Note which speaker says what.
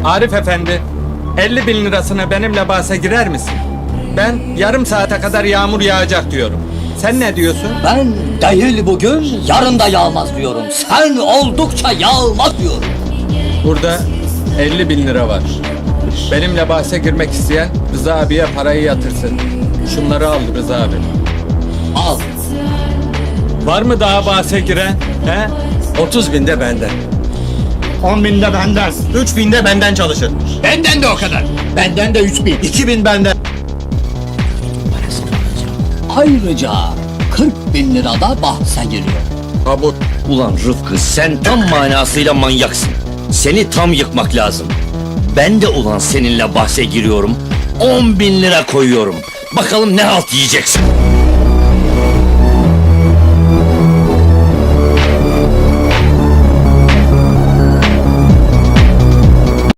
Speaker 1: Arif Efendi, 50 bin lirasına benimle bahse girer misin? Ben yarım saate kadar yağmur yağacak diyorum. Sen ne diyorsun?
Speaker 2: Ben değil bugün, yarın da yağmaz diyorum. Sen oldukça yağmaz diyorum.
Speaker 1: Burada 50 bin lira var. Benimle bahse girmek isteyen Rıza abiye parayı yatırsın. Şunları al Rıza abi.
Speaker 2: Al.
Speaker 1: Var mı daha bahse giren? He?
Speaker 3: 30 bin de benden.
Speaker 4: 10 bin de benden.
Speaker 3: 3 bin de benden çalışır.
Speaker 4: Benden de o kadar. Benden de 3 bin.
Speaker 3: 2 bin benden.
Speaker 2: Ayrıca 40 bin lira da bahse giriyor.
Speaker 3: Kabul.
Speaker 5: Ulan Rıfkı sen tam manasıyla manyaksın. Seni tam yıkmak lazım. Ben de ulan seninle bahse giriyorum. 10 bin lira koyuyorum. Bakalım ne halt yiyeceksin.